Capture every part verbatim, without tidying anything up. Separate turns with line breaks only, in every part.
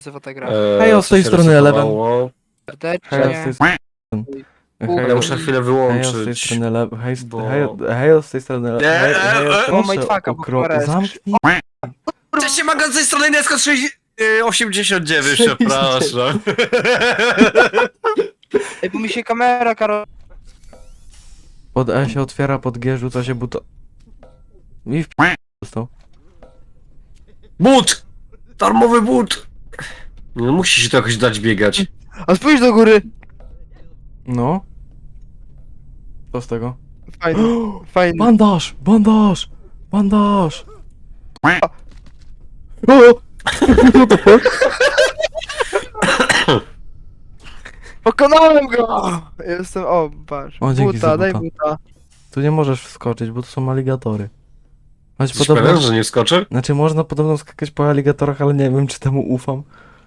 nazywa ta gra.
Eee,
Hej, o, z
co
tej
się
strony Eleven.
rysowało?
Hej, z
Serdecznie.
tej strony... Hej,
Ja muszę chwilę
hej, z tej
wyłączyć.
strony Eleven. Hej, z-
bo-
hej, hej, z tej strony
Nie,
Eleven. Hej, hej,
e, e,
proszę,
o, mindfucka, bo
okro-
kamera jest
Zamknij.
Cześć, Maga, z tej strony Nesko osiemdziesiąt dziewięć,
sześćdziesiąt
przepraszam.
Ej, bo mi się kamera, Karol...
Pod E się otwiera, pod G rzuca się buto... I w p... dostał.
But! Darmowy but! No musi się to jakoś dać biegać.
A spójrz do góry!
No. Co z tego?
Fajny, fajny.
Bandaż! Bandaż! Bandaż! O!
Pokonałem go! Jestem, o, patrz.
O, dzięki za
Buta, daj
buta.
buta.
Tu nie możesz wskoczyć, bo to są aligatory. Choć
Jesteś
podobno...
pewien, że nie wskoczy?
Znaczy można podobno skakać po aligatorach, ale nie wiem czy temu ufam.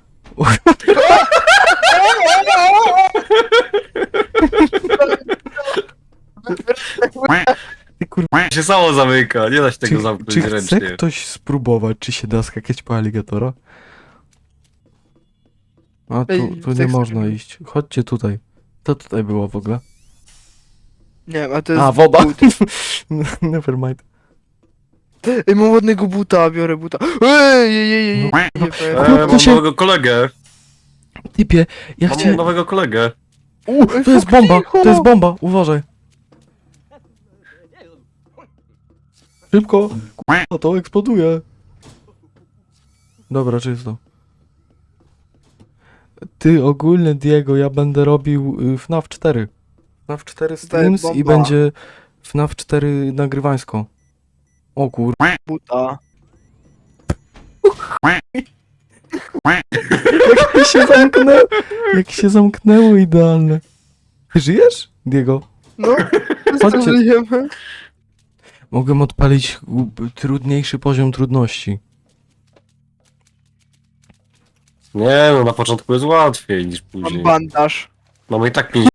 Ty kurwa,
się samo zamyka, nie da się tego
czy,
zamknąć
czy chce
ręcznie.
ktoś spróbować, czy się da skakać po aligatora? A tu,
Ej,
tu nie
chcę-
można iść. Chodźcie tutaj. Co tutaj było w ogóle?
Nie wiem, a to jest
A, woda!
but.
Never mind.
Ej, mam ładnego buta, biorę buta. Ej, ej, ej, ej,
No.
ej, nie powiem.
Eee,
to
mam
się-
nowego kolegę.
Typie, ja
Mam
chciałem...
nowego kolegę.
U, to jest bomba! To jest bomba! Uważaj! Szybko! K***a, to eksploduje! Dobra, czysto. Ty, ogólnie Diego, ja będę robił y, F NAF cztery. F NAF cztery streams i
bomba.
będzie F NAF cztery nagrywańsko. O kur...
Buta.
Jak się zamknęło, jak się zamknęło idealne. Ty żyjesz, Diego?
No,
Chodźcie.
żyjemy.
Mogłem odpalić u- trudniejszy poziom trudności.
Nie no, na początku jest łatwiej niż
Mam
później.
bandaż.
Mamy i tak pięć.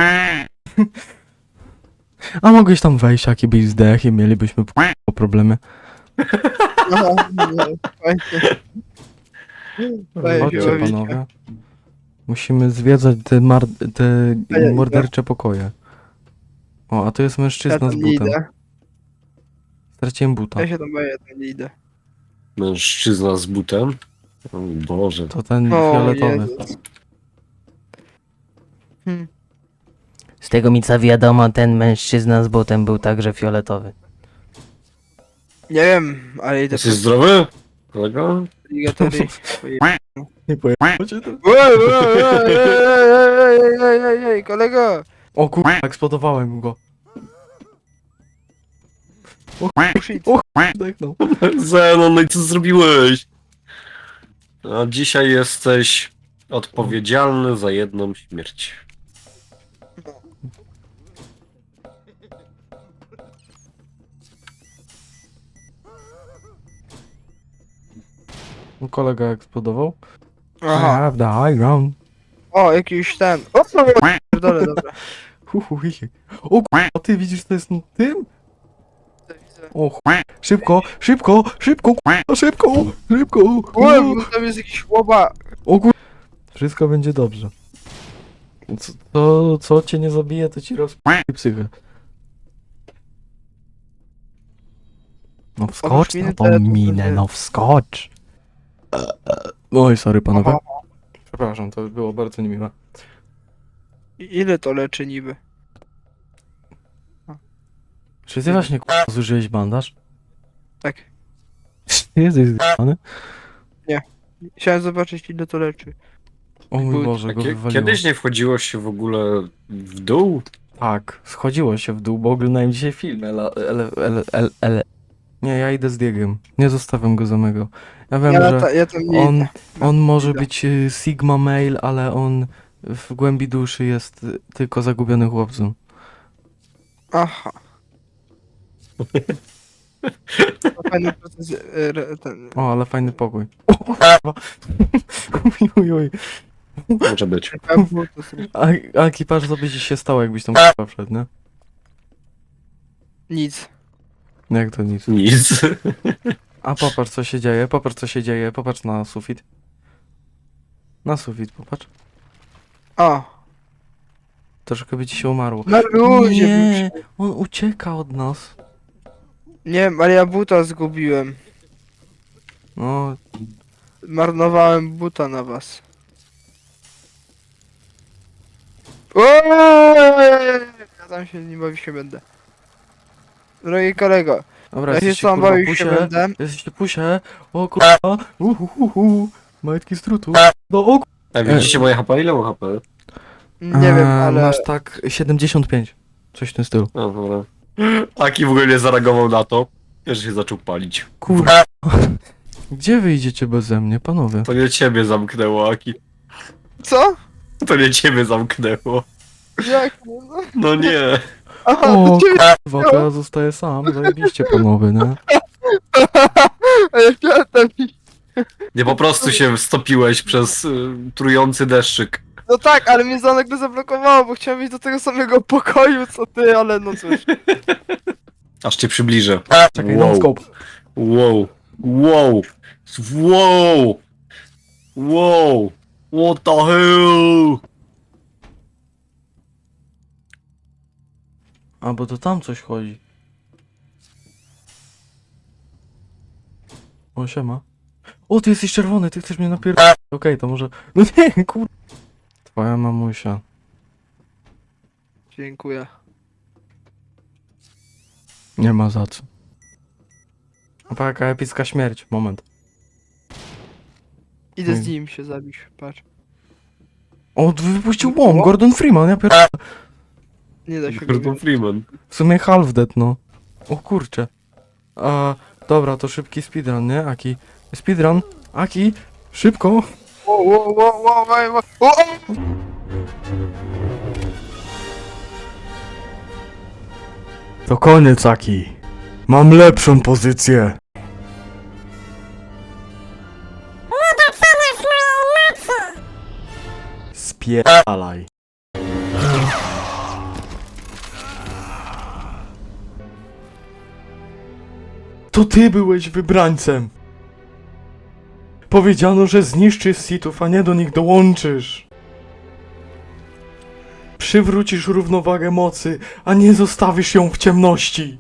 A mogłeś tam wejść, jaki byś zdech i mielibyśmy p- problemy.
Aha, nie, fajnie. Fajnie,
Chodźcie
bawicie.
panowie. Musimy zwiedzać te, mar- te
A ja
mordercze pokoje. O, a to jest
Ja
mężczyzna
tam
z
nie
butem.
idę.
Straciłem buta.
Ja się tam boję, tam nie idę.
Mężczyzna z butem. O Boże.
To ten
O,
fioletowy.
Jezus. Hmm.
Z tego mi co wiadomo, ten mężczyzna z butem był także fioletowy.
Nie wiem, ale idę
Jesteś zdrowy? Kolego?
po ligatory.
Nie pojechało cię to?
Ej, ej, ej, ej, ej, ej, ej, ej, kolego!
O kur... eksplodowałem go.
Oh, shit.
O zdechnął.
Zenon, no i co zrobiłeś? A dzisiaj jesteś odpowiedzialny za jedną śmierć.
Kolega eksplodował. I
Aha.
have the high ground.
O, jakiś ten. O, pierdolę, dobra.
Hu, hu, hi, hi. O kur... a ty widzisz co jest na tym?
Widzę.
O ch... Szybko, szybko, szybko, k***a, szybko, szybko.
Oj, bo tam jest jakiś chłopak.
O kur... Wszystko będzie dobrze. Co, to, co cię nie zabije, to ci rozp***i psychę. No wskocz
minę
na tą
teletubbies.
minę, no wskocz. Oj, sorry panowie. Przepraszam, to było bardzo niemiłe.
I ile to leczy niby?
Czy ty właśnie k***a zużyłeś bandaż?
Tak.
Ty jesteś zgany?
Chciałem zobaczyć ile to leczy.
O mój
Był-
Boże, go
Kie-
wywaliło.
Kiedyś nie wchodziło się w ogóle w dół?
Tak, schodziło się w dół, bo oglądałem dzisiaj film. Ele, ele, ele, ele, ele. Nie, ja idę z Diegiem. Nie zostawiam go samego. Ja wiem,
Ja,
że
ta, ja tam nie
on,
idę.
on może
idę.
być y, Sigma male, ale on w głębi duszy jest y, tylko zagubiony chłopcem.
Aha. To fajny proces, e, re- ten.
O, ale fajny pokój. O, kurwa. Uj, uj, uj.
Może być.
To są
A, a ekipaż co by ci się stało, jakbyś tam k***a wszedł, nie?
nic.
Jak to nic.
Nic.
A popatrz co się dzieje, popatrz co się dzieje, popatrz na sufit. Na sufit, popatrz.
O,
Troszkę by ci się umarło.
na luzie.
Nie, on ucieka od nas.
Nie wiem, ale ja buta zgubiłem.
No,
Marnowałem buta na was. Oooo! Ja tam się nie bawić się będę. Drogi kolego,
dobra,
ja się
jesteście
sam
kurwa
bawić się
pusie.
będę.
Jesteście pusie. O kurwa. Uhuhuhu. Majtki z trutu. No o
A widzicie moje H P? Ile mam H P?
Nie wiem,
Eee,
ale...
Masz tak siedemdziesiąt pięć. Coś w tym stylu.
No dobra. Aki w ogóle nie zareagował na to, że się zaczął palić.
Kurwa. Gdzie wyjdziecie beze mnie, panowie?
To nie ciebie zamknęło, Aki.
Co?
To nie ciebie zamknęło.
Jak? No,
No nie.
aha,
O
to ciebie...
kurwa, to ja zostaję sam. Zajebiście, panowie, nie?
A ja chciałem tam iść.
Nie po prostu się stopiłeś przez y, trujący deszczyk.
No tak, ale mnie za nagle zablokowało, bo chciałem iść do tego samego pokoju co ty, ale no cóż.
Aż cię przybliżę.
Czekaj,
Wow.
non scope.
Wow. Wow. Wow. Wow. What the hell?
A, bo to tam coś chodzi. O, siema. O, ty jesteś czerwony, ty chcesz mnie napierdolić. Okej, to może... No nie, kur... Twoja mamusia.
Dziękuję.
Nie ma za co. Opa, jaka epicka śmierć. Moment.
Idę z
Hmm.
nim się zabić, patrz.
O, wypuścił bomb, Gordon Freeman, ja pier...
Nie da się go
Gordon
wziąć.
Freeman.
W sumie half dead, no. O kurcze. A, dobra, to szybki speedrun, nie? Aki. Speedrun. Aki, szybko.
Wo, wo, wo, wo, wo, wo. O, o!
To koniec, Aki. Mam lepszą pozycję. Spierdalaj. To ty byłeś wybrańcem. Powiedziano, że zniszczysz Sithów, a nie do nich dołączysz. Przywrócisz równowagę mocy, a nie zostawisz ją w ciemności.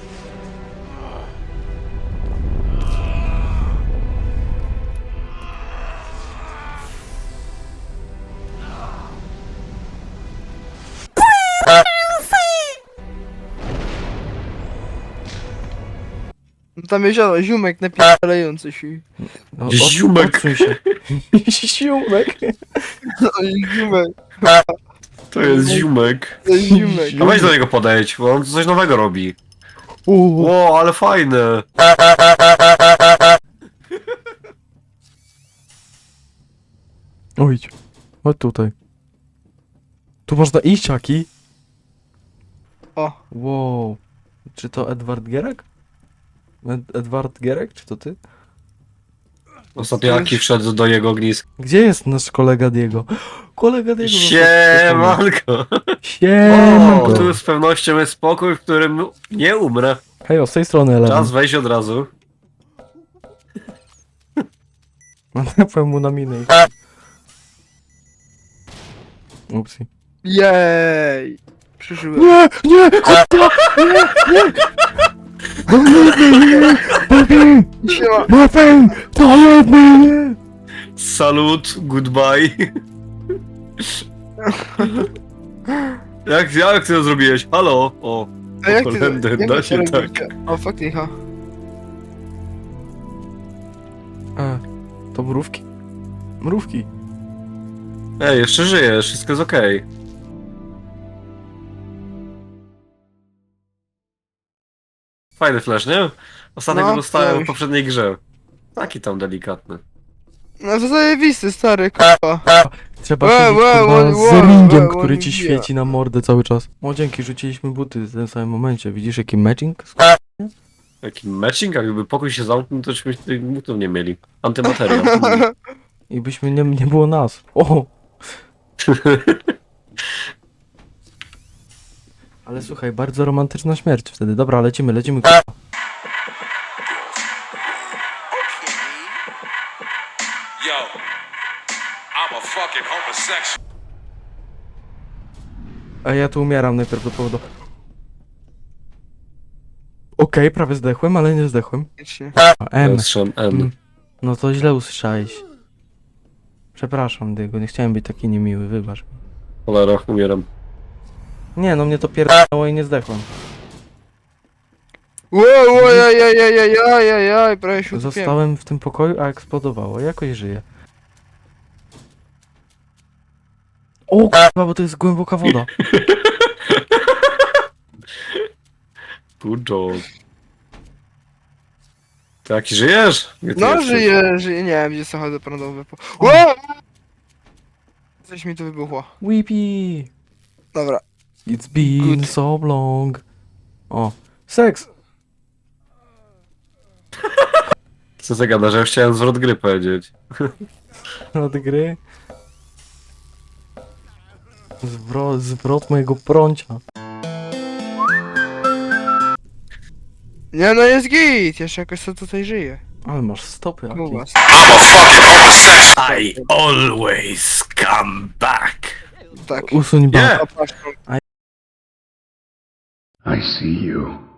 No tam jezioro, ziomek napierdalający się.
No, od-
Ziumek.
odsuń się. Ziumek.
No, ziomek,
To jest ziumek.
to jest ziomek.
A weź do niego podejdź, bo on coś nowego robi.
Uuu.
Ło, ale fajne.
O, idź. Chodź tutaj. Tu można iść, Aki.
O,
Wow. Czy to Edward Gierek? Ed Edward Gierek, czy to ty?
Ostatnio Aki wszedł do jego ogniska.
Gdzie jest nasz kolega Diego? Kolega Diego.
Siemanko.
Siemanko.
O, tu z pewnością jest spokój, w którym nie umrę.
Hej, z tej strony Eleven.
Czas wejść od razu.
Napłem mu na minę. i- Upsi.
jej. Przeżyłem.
Nie, nie, kurwa, nie, nie. Baby,
Siema.
baby, to jedny.
Salut, goodbye. jak, jak ty to zrobiłeś? Halo? O,
A jak ty,
Holender,
jak
da
wy
się
to
tak.
robicie? O, faktycha.
E, to mrówki? Mrówki.
Ej, jeszcze żyjesz, wszystko jest okej. Fajny flash, nie? Ostatnio
No,
go dostałem
coś.
w poprzedniej grze. Taki tam delikatny.
No to zajebisty, stary, kurwa.
Trzeba
Łe,
siedzieć
łe,
kurwa,
łe,
z
łe,
ringiem,
łe,
który
łe,
ci
nie.
świeci na mordę cały czas. O, dzięki, rzuciliśmy buty w tym samym momencie. Widzisz jaki matching?
Jaki matching, a gdyby pokój się zamknął, to byśmy tych butów nie mieli. Antymateria. Hmm.
I byśmy nie, nie było nas. O! Ale słuchaj, bardzo romantyczna śmierć wtedy. Dobra, lecimy, lecimy. kurwa.
Yo, I'm I'm a fucking homosexual.
A ja tu umieram najprawdopodobniej. Okej, prawie zdechłem, ale nie zdechłem.
Koniecznie.
A, M.
Strzem N.
Mm. No to źle usłyszałeś. Przepraszam, Dygo, nie chciałem być taki niemiły, wybacz.
Cholera, umieram.
Nie, no mnie to pierdolło i nie zdechłem.
Wow, wow, jaj, jaj, jaj, jaj, jaj, jaj, jaj, prawie się utopiłem.
Zostałem w tym pokoju, a eksplodowało. Jakoś żyję. O kurwa, bo to jest głęboka woda.
Good job. Ty jaki żyjesz? Gdzie ty
No,
jesteś?
żyję, żyję, nie wiem, gdzie samochody prądowe po... Wow! Coś mi tu wybuchło.
Weepy.
Dobra.
It's been
Good.
so long. O, seks.
Co za gada, że ja chciałem zwrot gry powiedzieć.
Od gry. Zwrot, zwrot mojego prącia.
Nie no, jest git, jeszcze jakoś co tutaj żyje.
Ale masz stopy, Aki.
Kuba.
I'm a fucking homosexual.
I always come back.
Tak.
Usuń
Nie.
ba.
Zapraszam.
I see you.